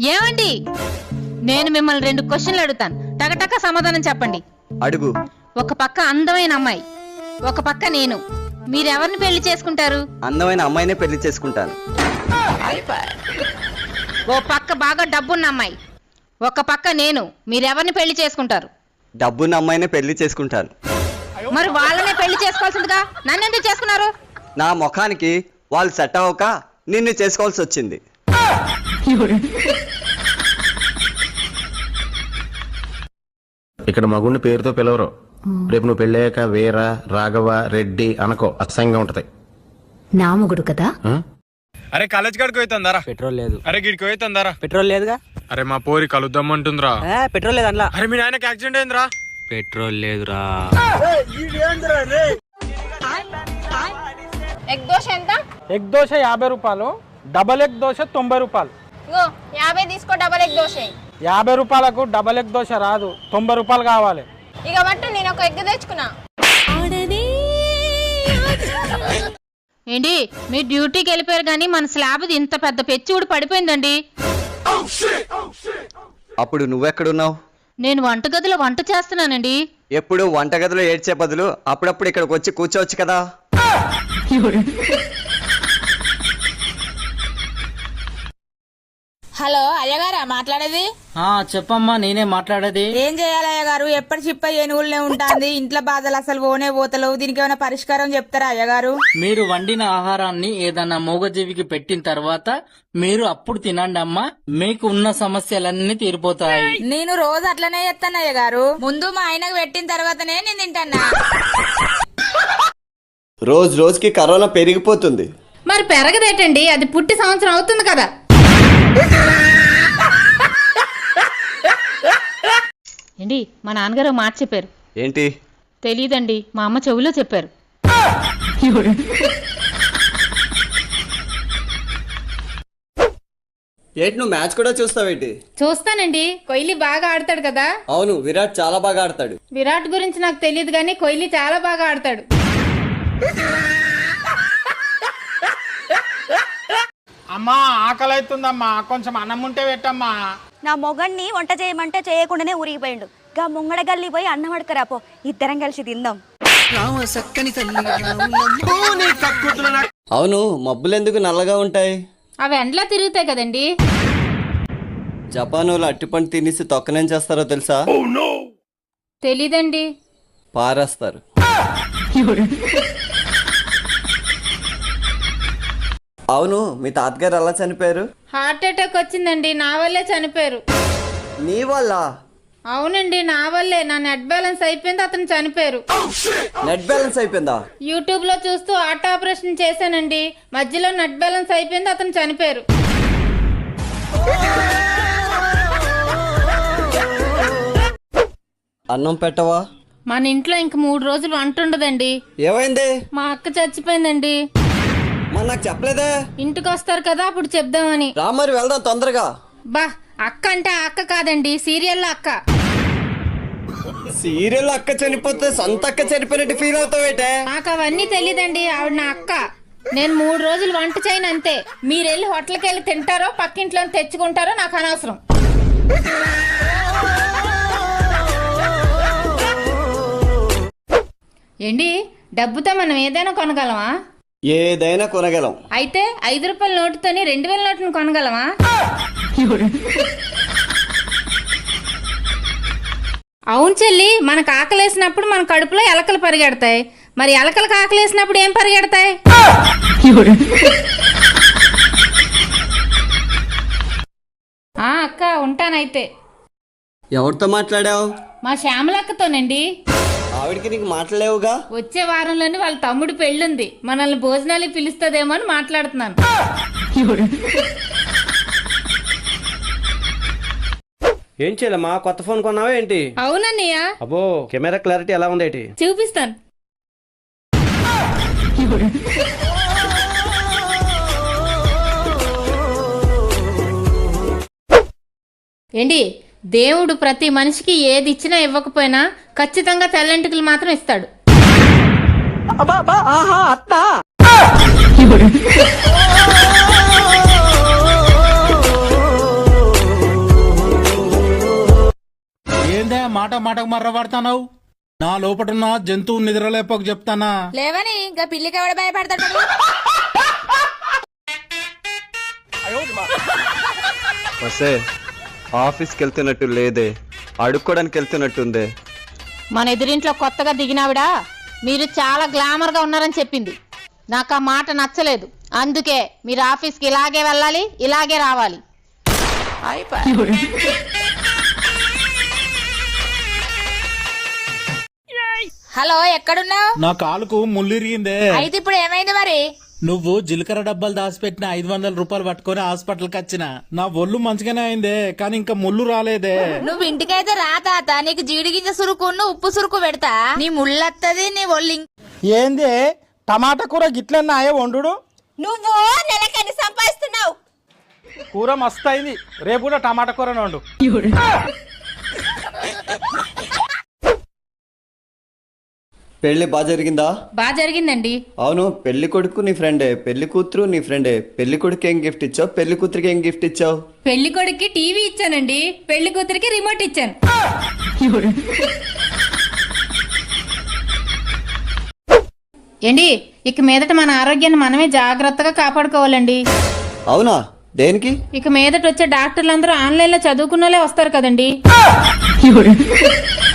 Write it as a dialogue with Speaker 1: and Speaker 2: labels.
Speaker 1: ఏమండి, నేను మిమ్మల్ని 2 క్వశ్చన్లు అడుగుతాను, టకటక సమాధానం చెప్పండి.
Speaker 2: అడుగు.
Speaker 1: ఒక పక్క అందమైన అమ్మాయి, ఒక పక్క నేను, మీరెవరిని పెళ్లి చేసుకుంటారు?
Speaker 2: అందమైన అమ్మాయినే పెళ్లి చేసుకుంటాను.
Speaker 1: ఓ పక్క బాగా డబ్బున్న అమ్మాయి, ఒక పక్క నేను, మీరెవరిని పెళ్లి చేసుకుంటారు?
Speaker 2: డబ్బున్న అమ్మాయినే పెళ్లి చేసుకుంటాను.
Speaker 1: మరి వాళ్ళనే పెళ్లి చేసుకోవాల్సిందిగా నన్ను ఎందుకు చేసుకున్నారు?
Speaker 2: నా ముఖానికి వాళ్ళు సెట్ అవ్వక నిన్ను చేసుకోవాల్సి వచ్చింది.
Speaker 3: ఇక్కడ మగుడిని పేరుతో పిలవరు. రేపు నువ్వు పెళ్ళాక వీర, రాఘవ, రెడ్డి అనకో, అసహ్యంగా ఉంటది.
Speaker 4: నా మొగుడు కదా.
Speaker 5: అరే కాలేజ్ కాడికి పోయితుందారా?
Speaker 6: పెట్రోల్ లేదు.
Speaker 5: అరే గిడికి పోయితుందారా?
Speaker 6: పెట్రోల్ లేదుగా.
Speaker 5: అరే మా పోరి కలుద్దామంటుందిరా.
Speaker 6: పెట్రోల్ లేదు అందులో.
Speaker 5: అరే మీ నాయనకి యాక్సిడెంట్ అయిందిరా.
Speaker 6: పెట్రోల్ లేదురా.
Speaker 7: ఎగ్ దోశ ఎంత?
Speaker 8: ఎగ్ దోశ 50 రూపాయలు, డబల్ ఎగ్ దోశ 90 రూపాయలు.
Speaker 7: ఇగో 50 తీసుకో, డబల్ ఎగ్ దోశ.
Speaker 8: 50 రూపాయలకు డబల్ ఎగ్ దోశ రాదు, 90 రూపాయలు కావాలి.
Speaker 7: ఇక బట్టు నేను ఒక ఎగ్ తెచ్చుకున్నా.
Speaker 1: ఏంటి, మీ డ్యూటీకి వెళ్ళిపోయారు కానీ మన స్లాబ్ ఇంత పెద్ద పెచ్చి ఊడి పడిపోయిందండి.
Speaker 2: అప్పుడు నువ్వెక్కడున్నావు?
Speaker 1: నేను వంటగదిలో వంట చేస్తున్నానండి.
Speaker 2: ఎప్పుడు వంటగదిలో ఏడ్చే బదులు అప్పుడప్పుడు ఇక్కడికి వచ్చి కూర్చోవచ్చు కదా.
Speaker 7: హలో అయ్యగారా మాట్లాడేది?
Speaker 6: చెప్పమ్మా, నేనే మాట్లాడేది.
Speaker 7: ఏం చేయాలి అయ్యగారు? ఎప్పటి చిప్ప ఏనుగులనే ఉంటుంది, ఇంట్లో బాధలు అసలు పోతలేవు. దీనికి ఏమైనా పరిష్కారం చెప్తారా అయ్యగారు?
Speaker 6: మీరు వండిన ఆహారాన్ని ఏదన్నా మూగజీవికి పెట్టిన తర్వాత మీరు అప్పుడు తినండి అమ్మా, మీకు ఉన్న సమస్యలన్నీ తీరిపోతాయి.
Speaker 7: నేను రోజు అట్లనే చేస్తాను అయ్యగారు. ముందు మా ఆయనకు పెట్టిన తర్వాతనే నేను తింటానా.
Speaker 2: రోజు రోజుకి కరోనా పెరిగిపోతుంది.
Speaker 1: మరి పెరగదేటండి, అది పుట్టి సంవత్సరం అవుతుంది కదా. ఏంటి, మా నాన్నగారు మాట చెప్పారు.
Speaker 2: ఏంటి?
Speaker 1: తెలీదండి, మా అమ్మ చెవిలో చెప్పారు.
Speaker 2: ఏంటి, నువ్వు మ్యాచ్ కూడా చూస్తావేంటి?
Speaker 1: చూస్తానండి, కోహ్లీ బాగా ఆడతాడు కదా.
Speaker 2: అవును, విరాట్ చాలా బాగా ఆడతాడు.
Speaker 1: విరాట్ గురించి నాకు తెలియదు కానీ కోహ్లీ చాలా బాగా ఆడతాడు.
Speaker 8: అమ్మా ఆకలి అవుతుందమ్మా, కొంచెం అన్నం ఉంటే పెట్టమ్మా.
Speaker 4: నా మొగన్ని వంట చేయమంటే చేయకుండానే ఊరిగిపోయిండు. గా ముంగడ గల్లి పోయి అన్నం అడకరాపో, ఇద్దరం కలిసి తిందాం.
Speaker 2: అవును, మబ్బులు ఎందుకు నల్లగా ఉంటాయి?
Speaker 1: అవి ఎండ్లా తిరుగుతాయి కదండి.
Speaker 2: జపాన్ వాళ్ళు అట్టిపండు తినేసి తొక్కనేం చేస్తారో తెలుసా?
Speaker 1: తెలీదండి.
Speaker 2: పారేస్తారు. అవును, మీ తాతగారు ఎలా చనిపోయారు?
Speaker 1: హార్ట్ అటాక్ వచ్చిందండి, నా వల్లే చనిపోయారు.
Speaker 2: నీ వల్ల?
Speaker 1: అవునండి, నా వల్లే. నా నెట్ బ్యాలెన్స్ అయిపోయింది, అతను చనిపోయారు.
Speaker 2: నెట్ బ్యాలెన్స్ అయిపోయిందా?
Speaker 1: యూట్యూబ్ లో చూస్తూ హార్ట్ ఆపరేషన్ చేశానండి, మధ్యలో నెట్ బ్యాలెన్స్ అయిపోయింది, అతను చనిపోయారు.
Speaker 2: అన్నం పెట్టవా?
Speaker 1: మన ఇంట్లో ఇంక 3 రోజులు వంట ఉండదండి.
Speaker 2: ఏమైంది?
Speaker 1: మా అక్క చచ్చిపోయిందండి.
Speaker 2: మరి నాకు చెప్పలేదే?
Speaker 1: ఇంటికి వస్తారు కదా, అప్పుడు చెప్దామని.
Speaker 2: రా మరి వెళ్దాం తొందరగా.
Speaker 1: బా, అక్క అంటే ఆ అక్క కాదండి, సీరియల్లో అక్క.
Speaker 2: సీరియల్ అక్క చనిపోతే సొంత అక్క చనిపోయినట్టు ఫీల్ అవుతావేటే?
Speaker 1: నాకు అవన్నీ తెలీదండి, ఆవిడ నా అక్క. నేను 3 రోజులు వంట చేయను అంతే. మీరెళ్ళి హోటల్కి వెళ్ళి తింటారో పక్కింట్లో తెచ్చుకుంటారో నాకు అనవసరం. ఏంటి, డబ్బుతో మనం ఏదైనా కొనగలమా?
Speaker 2: ఏదైనా కొనగలం.
Speaker 1: అయితే 5 రూపాయల నోటుతోని 2000 నోటును కొనగలమా? అవును చెల్లి, మనకు ఆకలేసినప్పుడు మన కడుపులో ఎలకలు పరిగెడతాయి. మరి ఎలకలకు ఆకలేసినప్పుడు ఏం పరిగెడతాయి? అక్క, ఉంటానైతే.
Speaker 2: ఎవరితో మాట్లాడావు?
Speaker 1: మా శ్యామలక్కతోనండి.
Speaker 2: ఆవిడికి నీకు మాట్లాడలేవుగా?
Speaker 1: వచ్చే వారంలోని వాళ్ళ తమ్ముడు పెళ్ళుంది, మనల్ని భోజనాలు పిలుస్తుందేమో అని మాట్లాడుతున్నాను.
Speaker 6: ఏం చేయలేమా, కొత్త ఫోన్ కొన్నావా ఏంటి?
Speaker 1: అవునన్నయ్య.
Speaker 6: అబ్బో, కెమెరా క్లారిటీ ఎలా ఉంది ఏంటి?
Speaker 1: చూపిస్తాను. ఏంటి, దేవుడు ప్రతి మనిషికి ఏది ఇచ్చినా ఇవ్వకపోయినా ఖచ్చితంగా తెల్లంటికలు మాత్రం ఇస్తాడు.
Speaker 9: మాటకు మర్రబడతావు? నా లోపటున్న జంతువు నిద్రలేపకు చెప్తానా?
Speaker 7: లేవని ఇంకా పిల్లికి ఎవడ భయపడతాడు?
Speaker 2: వసే ఆఫీస్కి వెళ్తున్నట్టు లేదే, అడుక్కోడానికి వెళ్తున్నట్టుందే.
Speaker 1: మన ఎదురింట్లో కొత్తగా దిగినావిడా మీరు చాలా గ్లామర్ గా ఉన్నారని చెప్పింది. నాకు ఆ మాట నచ్చలేదు. అందుకే మీరు ఆఫీస్కి ఇలాగే వెళ్ళాలి, ఇలాగే రావాలి.
Speaker 7: హలో, ఎక్కడున్నావు?
Speaker 9: నా కాలుకు ముల్లిరిగిందే.
Speaker 7: అయితే ఇప్పుడు ఏమైంది మరి?
Speaker 9: నువ్వు జీలకర్ర డబ్బాలు దాచిపెట్టిన 500 రూపాయలు పట్టుకొని హాస్పిటల్కి వచ్చిన. నా ఒళ్ళు మంచిగానే అయిందే, కానీ ఇంకా ముళ్ళు రాలేదే.
Speaker 7: నువ్వు ఇంటికైతే రా తాత, నీకు జీడిగింజ సురుకును ఉప్పు సురుకు పెడతా. నీ ముళ్ళత్తది, నీ ఒళ్ళు.
Speaker 8: ఏంది టమాటా కూర గిట్లన్నాయే వండు?
Speaker 4: నువ్వు నెలకని సంపాదిస్తున్నావు.
Speaker 8: కూర మస్తు అయింది, రేపు కూడా టమాటా కూరనే వండు.
Speaker 2: పెళ్లి బాగా జరిగిందా?
Speaker 1: బాగా జరిగిందండి.
Speaker 2: అవును, పెళ్లి కొడుకు నీ ఫ్రెండే, పెళ్లి కూతురు నీ ఫ్రెండే. పెళ్లి కొడుకు ఏం గిఫ్ట్ ఇచ్చావు, పెళ్లి కూతురికి ఏం గిఫ్ట్ ఇచ్చావు?
Speaker 1: పెళ్లి కొడుక్కి టీవీ ఇచ్చానండి, పెళ్లి కూతురికి రిమోట్ ఇచ్చాను. ఏండి, ఇక మీదట మన ఆరోగ్యాన్ని మనమే జాగ్రత్తగా కాపాడుకోవాలండి.
Speaker 2: అవునా, దేనికి?
Speaker 1: ఇక మీదట వచ్చే డాక్టర్లందరూ ఆన్లైన్ లో చదువుకున్నోళ్ళే వస్తారు కదండి.